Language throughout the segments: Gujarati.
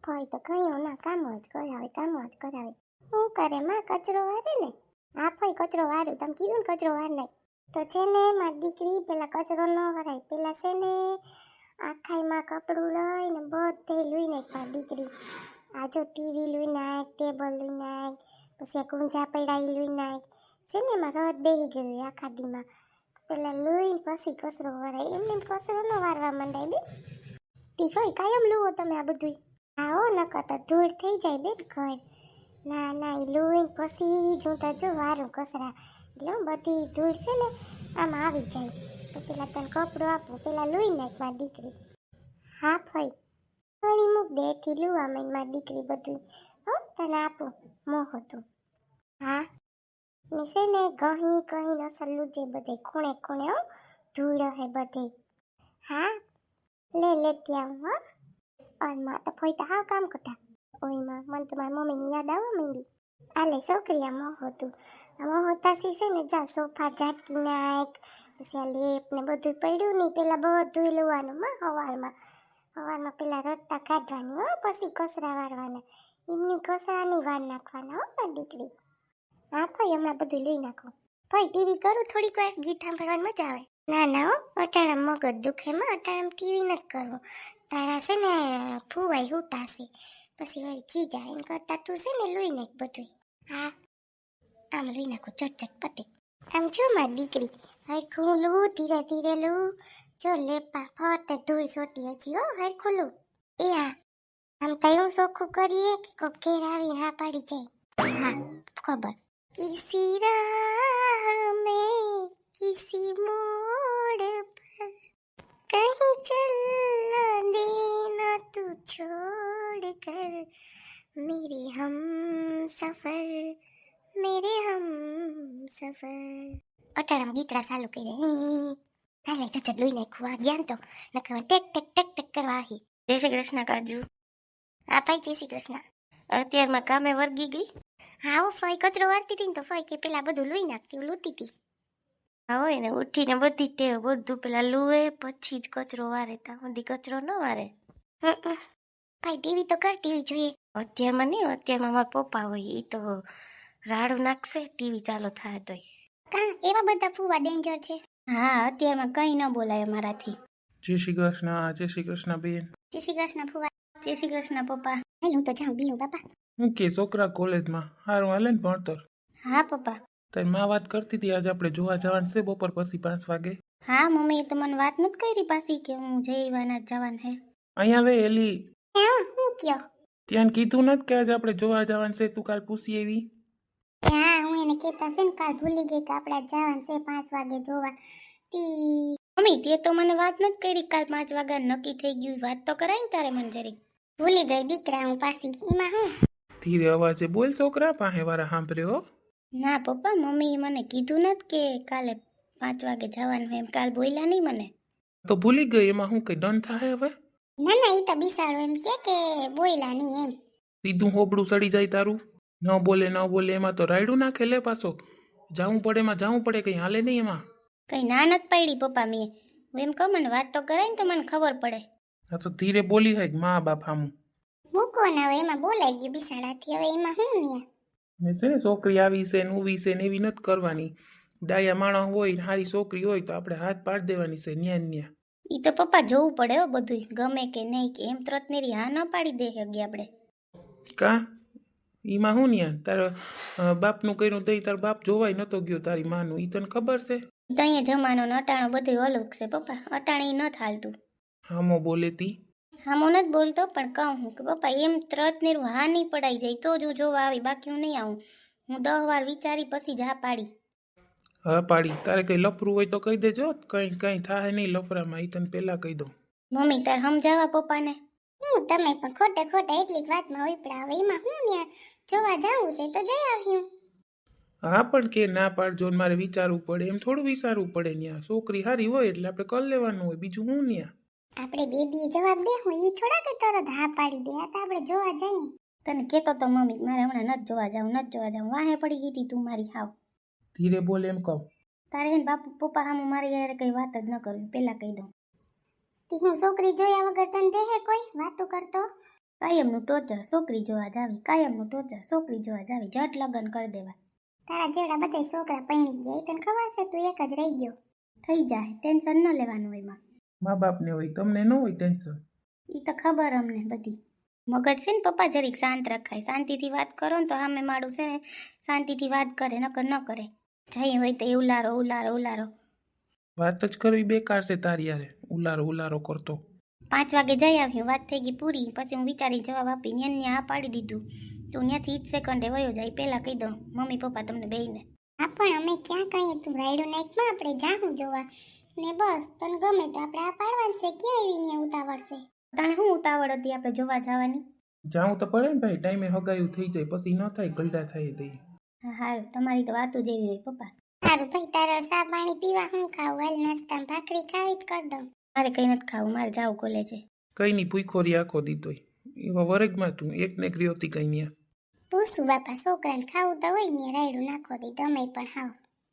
ફઈ તો કયું ના કામ જ કરાવે. શું કરે માં કચરો વારે ને? હા ફઈ કચરો વાર્યું, તમે કીધું ને કચરો વાર નાખ. તો છે ને મારી દીકરી પેલા કચરો ન વરાય, પેલા છે ને આખાઈમાં કપડું લઈને બધે લઈ નાખ મારી દીકરી. આ જો ટીવી લઈ નાખ, ટેબલ લઈ નાખ, પછી આ કુંજા પડા લઈ નાખ. છે ને એમાં રદ બેસી ગયું આખા દીમાં. પેલા લઈને પછી કચરો વરાય, એમને કચરો ન વારવા માંડાય બે. ટીફાઈ કાયમ લુવો તમે આ બધું? હા હો નકર તો ધૂળ થઈ જાય બેન ઘર. ના ના એ લઈને પછી જોતા જો વારું કચરા, એટલે બધી ધૂળ છે ને આમાં આવી જાય. તો પેલા તને કપડું આપું, પેલા લઈ નાખ મારી દીકરી. હા ફઈ વળી મૂક દે એથી લુવા માંડ મારી દીકરી બધું. હો તને આપું મોહ હતું. હા ને છે ને કહી અસલ લૂજે બધે ખૂણે ખૂણે હો, ધૂળ હે બધે. હા લેતી આવું હો. અને માં તો ફઈ તો હાવ કામ કરતા. ઓયમાં મને તો મારી મમ્મીની યાદ આવવા માંડી. આલે છોકરી આ મોહ હતું. આ મોહ તાસી છે ને જા સોફા ઝાટકી નાખ, પછી આ લેપ ને બધું પડ્યું નહીં, પેલા બધું લેવાનું માં સવારમાં પેલા રસ્તા કાઢવાની હો, પછી કચરા વારવાના. એમની કચરાની વાર નાખવાના હો મારી દીકરી. હા ફઈ હમણાં બધું લઈ નાખો. ફઈ ટીવી કરું થોડીક વાર, ગીત સાંભળવાની મજા આવે. ના ના હો અટાણા મગજ દુખે માં, અટાણા ટીવી નથી કરવું. તારા છે ને ફૂવાઈ હુતાશે, પછી વળી ખી જાય એમ કરતા તું છે ને લઈ નાખ બધું. હા આમ લઈ નાખો ચટચટ પતે. આમ જો મારી દીકરી હરખું લઉં, ધીરે ધીરે લઉં. જો લેપા ફટ ધૂળ સોટી હજી હો હરખું લઉં. એ હા આમ કયું ચોખ્ખું કરીએ કે કોક ઘેર આવીને હા પાડી જાય. હા ખબર. કિસી રાહ મેં કિસી મોડ પર કहीं चलना देना तू छोड़ कर मेरे हम सफर. અટાણામાં ગીતડા ચાલુ કરી હાલે ચચડ લઈ નાખું. આ જ્ઞાન તો નકર ટેક ટેક ટેક ટેક કરવા આવી. જય શ્રી કૃષ્ણ કાજુ. હા ભાઈ જય શ્રી કૃષ્ણ. અત્યારમાં કામે વર્ગી ગઈ? હા હું ફઈ કચરો વારતી હતી ને તો ફઈ કે પેલા બધું લઈ નાખતી, હું લૂતી હતી. હા હોય ને ઉઠીને બધી ટેવ બધું પેલા લુએ પછી જ કચરો વારે, ત્યાં સુધી કચરો ન વારે. ભાઈ ટીવી તો કર, ટીવી જોઈએ. અત્યારમાં નહીં, અત્યારમાં મારા પપ્પા હોય એ તો રાડું નાખશે ટીવી ચાલુ થાય તોય. કા એવા બધા ફૂવા ડેન્જર છે? હા અત્યારમાં કઈ ન બોલાય મારાથી. જય શ્રી કૃષ્ણ બેન. જય શ્રી કૃષ્ણ ફૂવા. જય શ્રી કૃષ્ણ પપ્પા. હાલ હું તો જાઉં બીનું બાપા. હું કે છોકરા કોલેજમાં હારું હાલે ને ભણતર? હા પપ્પા. તારી માં વાત કરતી હતી આજે આપણે જોવા જવાનું છે બપોર પછી 5 વાગે. હા મમ્મી તો મને વાત નથી કરી પાછી કે હું જઈવાના જવાનું હે. અહીંયા વે એલી હા હું કયો? ત્યાં કીધું નથી કે આજે આપણે જોવા જવાનું છે, તું કાલ પૂછી એવી. હા હું એને કહેતા છે ને કાલ ભૂલી ગઈ કે આપણે જવાનું છે 5 વાગે જોવા. મમ્મી તે તો મને વાત નથી કરી કાલ 5 વાગ્યા નક્કી થઈ ગયું, વાત તો કરાય ને તારે મને જરીક. ભૂલી ગઈ દીકરા હું પાછી, એમાં હું. ધીરે અવાજે બોલ છોકરા, પાસે વાળા સાંભળ્યો. ના પપ્પા મમ્મીએ મને કીધું નથી કે કાલે 5 વાગે જવાનું એમ, કાલ બોલ્યા નહીં મને. તો ભૂલી ગઈ એમાં હું કઈ દંડ થાય હવે? ના ના એ તો બિસાડો એમ કે બોલ્યા નહીં એમ. સીધું હોબડું સડી જાય તારું. ન બોલે એમાં તો રાયડું નાખે લે પાછો. જાવું પડે એમાં જાવું પડે, કઈ હાલે નહીં એમાં. કઈ ના નથી પાડી પપ્પા મેં, હું એમ કહું મને વાત તો કરાય ને તો મને ખબર પડે. આ તો ધીરે બોલી હોય મા બાપ હામું. મૂકો ના હવે એમાં બોલાઈ ગયું બિસાડાથી, હવે એમાં હું નહીં. ને છે ને છોકરી આવી છે ને ઉવી છે ને એવી નથી કરવાની. ડાયા માણસ હોય ને સારી છોકરી હોય તો આપણે હાથ પાડી દેવાની છે ન્યા. ઈ તો પપ્પા જોવું પડે હો બધું, ગમે કે નહીં કે એમ તરત નેરી હા ન પાડી દે હગી આપણે. કા એમાં હું ન્યા તારા બાપનું કર્યું તો તાર બાપ જોવાય નતો ગયો તારી માનું, ઈ તને ખબર છે? તો અહીંયા જમાનો ને અટાણો બધું અલગ છે પપ્પા, અટાણે ન થાલતું. હામો બોલે તી. હામો નથી બોલતો પણ કહું હું કે પપ્પા એમ તરત નેરું હા નહીં પડાઈ જાય તો જ હું જોવા આવી, બાકી હું નહીં આવું. હું 10 વાર વિચારી પછી જ હા પાડી. હા પાડી. તારે કઈ લફરું હોય તો કહી દેજો, કઈ થાય નહીં લફરામાં, ઈ તને પેલા કહી દઉં. મમ્મી તાર સમજાવા પપ્પાને. હું તમે પણ ખોટે ખોટા એટલી વાતમાં ઉપડા, હવે એમાં હું ત્યાં જોવા જાવું છે તો જઈ આવ્યું. હા પણ કે ના પાડજો ને મારે વિચારવું પડે, એમ થોડું વિચારવું પડે ન્યા. છોકરી હારી હોય એટલે આપણે કરી લેવાનું હોય, બીજું હું ન્યા. આપણે બેબીએ જવાબ દે હું ઈ થોડા કે તરત હા પાડી દે, આ તો આપણે જોવા જઈએ. તને કહેતો તો મમ્મી મારે હમણાં નથી જોવા જાવું, વાહે પડી ગઈ હતી તું મારી હાવ. ધીરે બોલ એમ કહું. તારે હે ને બાપુ પપ્પા સામું મારી યાર કઈ વાત જ ન કરવી, પેલા કહી દઉં. તી હું છોકરી જોયા વગર તને દેહે કોઈ વાતો કરતો? કાયમનું ટોચર છોકરી જોવા જાવી, કાયમનું ટોચર છોકરી જોવા જાવી, જટ લગ્ન કરી દેવા. તારા જેવડા બધા છોકરા પૈણી ગયા, એ તને ખબર છે તું એક જ રહી ગયો. થઈ જાય, ટેન્શન ન લેવાનું એમાં. મા બાપને હોય, તમને ન હોય ટેન્શન. એ તો ખબર અમને બધી. મગજ છે ને પપ્પા જરીક શાંત રખાય, શાંતિથી વાત કરો ને તો સામે માડું છે ને શાંતિથી વાત કરે, નકર ન કરે. જઈ હોય તો એ ઉલારો ઉલારો ઉલારો. વાત જ કરવી બેકાર છે તારી યારે, ઉલારો ઉલારો કરતો. 5 વાગે જઈ આવ્યું, વાત થઈ ગઈ પૂરી. પછી હું વિચારી જવાબ આપીને એને આ પાડી દીધું. તું ત્યાંથી 1 સેકન્ડે વયો જાય પહેલાં કહી દઉં મમ્મી પપ્પા તમને બેયને. હા પણ અમે ક્યાં કહીએ તું રાયડું નાઈટમાં આપણે જાહું જોવા ને બસ તને ગમે તો આપણે આ પાડવાનું છે, ક્યાં એવી ને ઉતાવળ છે. તાણે શું ઉતાવળ હતી આપણે જોવા જવાની? જાઉં તો પડે ને ભાઈ, ટાઈમે હગાયું થઈ જાય પછી ન થાય, ગલડા થાય તે. હા હારું, તમારી તો વાતો જેવી હોય પપ્પા. સારું ભાઈ તારે ચા પાણી પીવા હું ખાવું, હાલ નાસ્તામાં ભાખરી ખાવી જ કરી દઉં. મારે કંઈ નથી ખાવું, મારે જાવું કોલેજે. કઈ ની ભૂખોરી આખો દીધોય એવા વર્ગમાં તું એક ને કરી હતી કઈ ન્યા. પૂછું બાપા છોકરાને ખાવું તો હોય ને રાયડું નાખો દી તમે પણ હાવ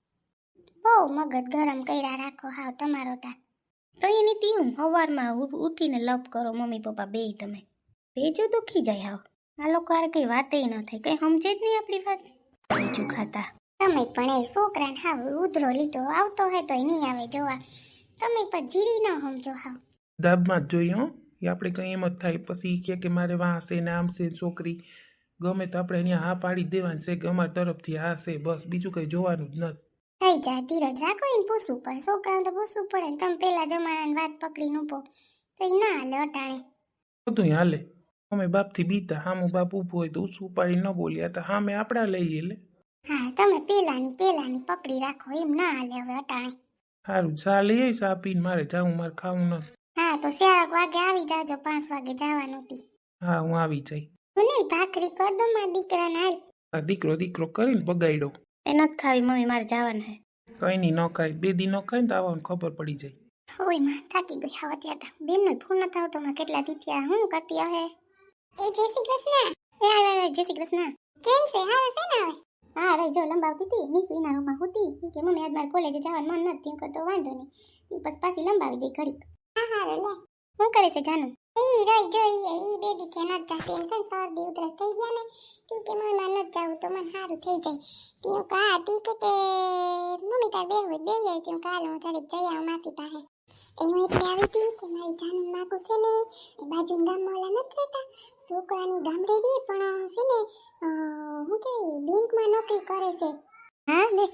બહુ મગજ ગરમ કર્યા રાખો હાવ તમારો તા. તો એની તીવું સવારમાં ઉઠીને લપ કરો મમ્મી પપ્પા બેય તમે. ભેજો દુખી જાય હાવ. આ લોકો હારે કંઈ વાતેય ન થાય, કંઈ સમજે જ નહીં આપણી વાત. બીજું ખાતા તમે પણ એ છોકરાને હાવ ઉધરો લીધો આવતો હોય તોય નહીં આવે જોવા, તમે પણ જીરી ન સમજો હાવ. દાબમાં જ જોઈએ હો, એ આપણે કંઈ એમ જ થાય પછી ઈ કે મારે વાં છે ને આમ છે છોકરી, ગમે તો આપણે અહીંયા હા પાડી દેવાની છે કે અમારી તરફથી હા છે, બસ બીજું કંઈ જોવાનું જ નથી. થઈ જાય ધીરજ રાખો એને પૂછવું પડે, છોકરાને તો પૂછવું પડે ને. તમે પેલા જમાનાની વાત પકડીને ઉભો તો એ ના હાલે અટાણે. બધું હાલે, અમે બાપથી બીતા, હામું બાપ ઊભું હોય તો ઉછું પાડી ન બોલ્યા તો હામે આપણા લઈએ લે. હા તમે પેલાની પકડી રાખો, એમ ના હાલે હવે અટાણે. સારું ચા લઈ આવી, ચા પીને મારે જાઉં, મારે ખાવું નથી. હા તો 4 વાગે આવી જાજો, 5 વાગે જવાનું હતી. હા હું આવી જાય. સુનિલ ભાખરી કર દો મારા દીકરાને હાલ. આ દીકરો કરીને બગાડ્યો. એ નથી ખાવી મમ્મી, મારે જવાનું હે. કઈ નહીં ન ખાય, 2 દી ન ખાય ને તો આવવાનું ખબર પડી જાય. ઓય માં થાકી ગઈ હાવ ત્યાં બેનનો ફોન ન થાવ તો માં કેટલા દી થયા, હું કરતી હે? એ જય શ્રી કૃષ્ણ. એ આવે જય શ્રી કૃષ્ણ. કેમ છે? હારે છે ને હવે? હા રે જો લંબાવતી હતી, નીસુ એના રૂમમાં હતી. ઈ કે મમ્મી આજ મારે કોલેજે જવાનું મન નથી, તો વાંધો નહીં. ઈ પછી પાછી લંબાવી દઈ ઘડીક. હા હા રે લે. શું કરે છે જાનુ? ઈ રોઈ જોઈ ઈ બેબી કે ન જાતી એમ છે, શરદી ઉધરસ થઈ ગયા ને. તી કે મમ્મી માં ન જાવું તો મને સારું થઈ જાય. તી કા તી કે મમ્મી તાર બે હોય બે જાય, તી કાલ હું થોડીક જઈ આવું માસી પાસે. એવું એટલે આવી હતી કે મારી જાનુ માકુ છે ને એ બાજુ ગામમાં ઓલા નથી રહેતા છોકરાની ગામડે રહી પણ છે ને હું કે બેંકમાં નોકરી કરે છે. હા લે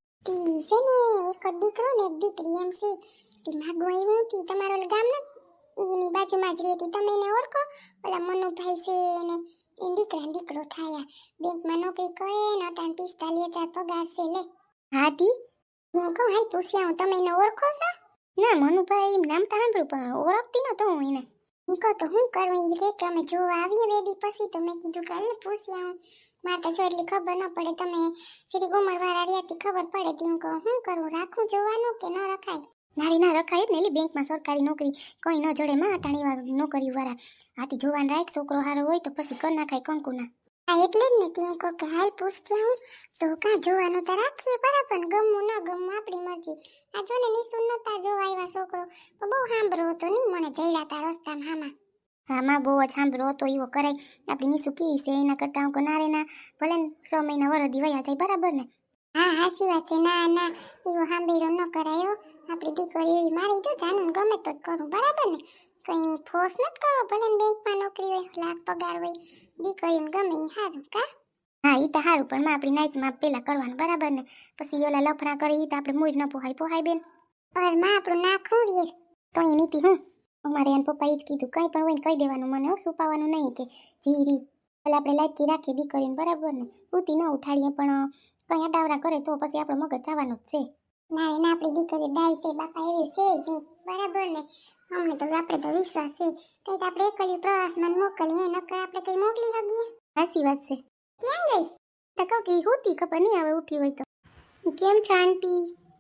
તી છે ને એક દીકરો ને એક દીકરી એમ છે. તી માગો આવ્યું તી તમારો ગામ ન એની બાજુમાં જ રહેતી, તમે એને ઓળખો? ઓલા મનુભાઈ છે ને એ દીકરો થાય, બેંકમાં નોકરી કરે ને અટાણ 45,000 પગાર છે લે. હા તી હું કહું હાલ પૂછ્યા હું, તમે એને ઓળખો છો? ના મનુભાઈ નામ તો સાંભળ્યું પણ ઓળખતી નતો હું એને. હું કહું તો હું કરું, એ કે અમે જોવા આવીએ બેબી પછી તો મેં કીધું કે હાલ પૂછ્યા હું, મારે તો જો એટલી ખબર ન પડે, તમે સીધી ઉંમરવાળા રહેતી ખબર પડે. તી હું કહું શું કરું, રાખું જોવાનું કે ન રખાય? નારી ના રખાય જ ને, એલી બેંકમાં સરકારી નોકરી કોઈ ન જડે માં અટાણી વાર નોકરી વાળા આથી જોવાન રાખ, છોકરો હારો હોય તો પછી કર નાખાય કંકુના. હા એટલે જ ને તી હું કહું કે હાલ પૂછતી હું તો કાં જોવાનું તો રાખીએ બરાબર, ગમવું ન ગમવું આપણી મરજી. આ જો ને નિસુ નતા જોવા આવ્યા છોકરો તો બહુ સાંભળો હતો નહીં મને જઈડા તા રસ્તામાં હામાં. હા માં બહુ જ સાંભળો હતો એવો કરાય, આપણી નિસુ કેવી છે એના કરતાં હું ના રે ના ભલે ને 6 મહિના વરદી વયા જાય બરાબર ને. હા હાચી વાત છે, ના ના એવો સાંભળ્યો ન કરાયો, આપણી દીકરી એવી મારી જો જાનું ગમે તો જ કરું બરાબર ને, કંઈ ફોર્સ નથી કરવો, ભલે ને બેંકમાં નોકરી હોય લાખ પગાર હોય, દીકરીઓને ગમે એ સારું કા. હા એ તો સારું પણ માં આપણી નાઈટમાં પેલા કરવાનું બરાબર ને, પછી ઓલા લફડા કરે એ તો આપણે મૂળ ન પોહાય બેન. અરે માં આપણું નાખું રે તો એ નીતિ હું અમારે એને પપ્પા એ જ કીધું કંઈ પણ હોય ને કહી દેવાનું મને, છુપાવવાનું નહીં કે જીરી એટલે આપણે લાયકી રાખીએ દીકરીને બરાબર ને, ઉતી ન ઉઠાડીએ પણ કંઈ અડાવરા કરે તો પછી આપણો મગજ જવાનું જ છે. ના એને આપણી દીકરી ડાય છે બાપા એવી છે જ નહીં બરાબર ને, અમને તો આપણે તો વિશ્વાસ છે. કંઈક આપણે એકલી પ્રવાસમાં મોકલીએ નકર આપણે કંઈ મોકલી શકીએ? સાચી વાત છે. ક્યાં ગઈ? તો કહું કે હોતી ખબર નહીં હવે ઉઠી હોય તો. કેમ છે આંટી?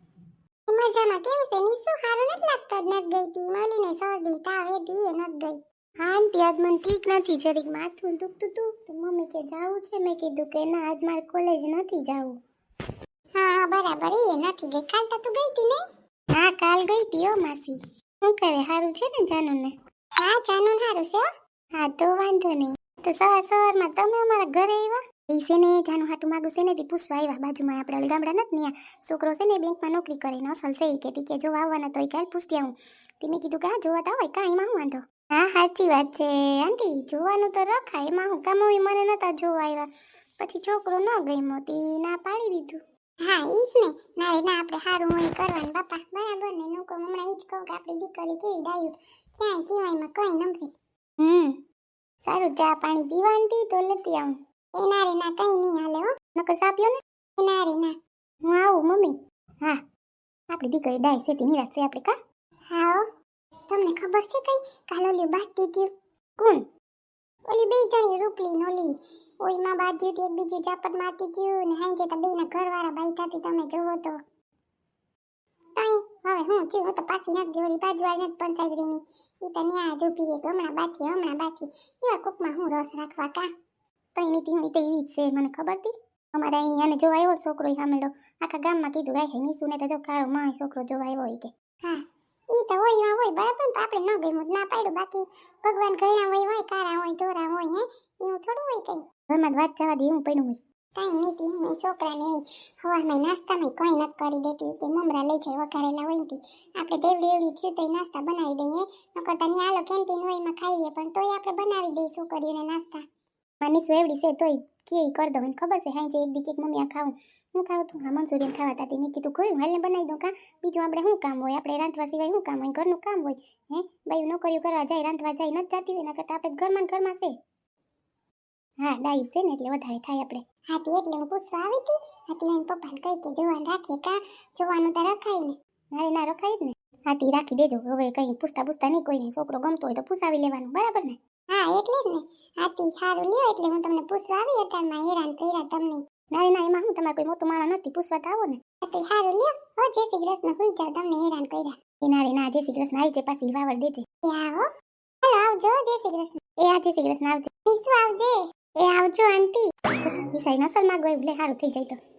મજામાં. કેમ છે નિસુ? સારું નથી લાગતો જ નથી ગઈ તી મળીને શરદી તાવ એથી એ નથી ગઈ. હા આંટી આજ મને ઠીક નથી, જરીક માથું દુખતું હતું તો મમ્મી કે જાવું છે, મેં કીધું કે ના આજ મારે કોલેજ નથી જાવું. હા બરાબર એ નથી ગઈ, કાલ તો તું ગઈ તી નહીં? હા કાલ ગઈ તી હો માસી. શું કરે, સારું છે ને જાનુને? હા જાનુન સારું છે. હા તો વાંધો નહીં. તો સવારમાં તમે અમારા ઘરે આવ્યા? એ છે ને જાનું હાટું માગું છે ને તે પૂછવા આવ્યા. બાજુમાં આપણે ઓલા ગામડા નથી ત્યાં છોકરો છે ને બેંકમાં નોકરી કરે ને અસલ છે ઈ કે તી કે જોવા આવવાના તો કાલ પૂછતી આવું. તે મેં કીધું કે હા જોવા તો હોય કાંઈ એમાં હું વાંધો. હા સાચી વાત છે આંટી, જોવાનું તો રખાય એમાં હું કામ હોય. મને નતા જોવા આવ્યા પછી છોકરો ન ગમ્યો તી ના પાડી દીધું. હા ઈ જ ને ના આપણે સારું હોય કરવાનું બાપા બરાબર ને. નું કહું હમણાં ઈ જ કહું કે આપણી દીકરી કેવી ડાયું ક્યાંય જીવાયમાં કઈ નથી. સારું ચા પાણી પીવાની તો લેતી આવું. એના રે ના કઈ નહીં હાલે હો. નકર સા પીઓ ને. એના રે ના હું આવું મમ્મી. હા આપણી દીકરી ડાય છે તે નિરાશ છે આપણે કા. હા હો. તમને ખબર છે કઈ કાલ ઓલી બાકી થયું? કોણ? ઓલી બે જણી રૂપલી નોલી ઓઈમાં બાજુ એક બીજી ચાપટ મારતી થયું ને હાઈ જતા બેના ઘરવાળા બાઈ થાતી તમે જોવો તો. તઈ હવે હું થયું હું તો પાછી નથી ગઈ. ઓલી બાજુવાળી નથી પંચાયતરીની ઈ તો ન્યા જ ઊભી રહી હમણાં બાકી એવા કોકમાં હું રસ રાખવા કા. તઈ નીતિ હું તો એવી જ છે મને ખબર હતી. અમારે અહીંયા જો આવ્યો છોકરો સામેડો આખા ગામમાં કીધું ગાય નીસુને તો જો કારો માં છોકરો જોવા આવ્યો હોય કે. હા ઈ તો હોય બરાબર ને આપણે ન ગયું ના પાડ્યું. બાકી ભગવાન ઘણા હોય કારા હોય ધોરા હોય હે એવું થોડું હોય કઈ. ઘરમાં વાત જવા દે એવું પડ્યું હોય. કઈ નીતિ હું છોકરાને હવારમાં નાસ્તામાં કઈ નથી કરી દેતી કે મમરા લઈ જાય વઘારેલા હોય ને આપણે દેવડી એવડી થયું તો નાસ્તા બનાવી દઈએ નકર તો ન્યા હાલો કેન્ટીન હોય એમાં ખાઈએ પણ તોય આપણે બનાવી દઈએ છોકરીઓને નાસ્તા. માનીશુ એવડી છે તોય કે કરી દઉં એને ખબર છે હાઈ જે એક દી કેક મમ્મી આ ખાવું હું ખાવું તું હા મંચુરિયન ખાવા તાતી મેં કીધું ગયું હાલને બનાવી દઉં કા બીજું આપણે શું કામ હોય આપણે રાંધવા સિવાય શું કામ હોય ઘરનું કામ હોય હે બાયું નોકરીઓ કરવા જાય રાંધવા જાય નથી જતી હોય નકર આપણે ઘરમાં છે. હા ડાયું છે ને એટલે વધારે થાય આપણે. હાથી એટલે હું પૂછવા આવી હતી. હાથી એને પપ્પાને કહી કે જોવાનું રાખીએ કા જોવાનું તો રખાય ને. ના રખાય જ ને. હાથી રાખી દેજો હવે કઈ પૂછતા નહીં કોઈને છોકરો ગમતો હોય તો પૂછાવી લેવાનું બરાબર ને. હા એટલે જ ને હાથી સારું લ્યો એટલે હું તમને પૂછવા આવી અટાણમાં હેરાન કર્યા તમને. ના એમાં હું તમારે કોઈ મોટું માણસ નથી પૂછવા તો આવો ને. હાથી સારું લ્યો હો જય શ્રી કૃષ્ણ હોઈ જાવ તમને હેરાન કર્યા. ના જય શ્રી કૃષ્ણ આવી છે પાછી વાવડ દેજે. એ આવો હાલો આવજો જય શ્રી કૃષ્ણ. એ આ જય શ્રી કૃષ્ણ આવજો. નીસુ આવજે. એ આવજો આંટી. વિસાઈ નસલ માં ગયો એટલે સારું થઈ જાય તો.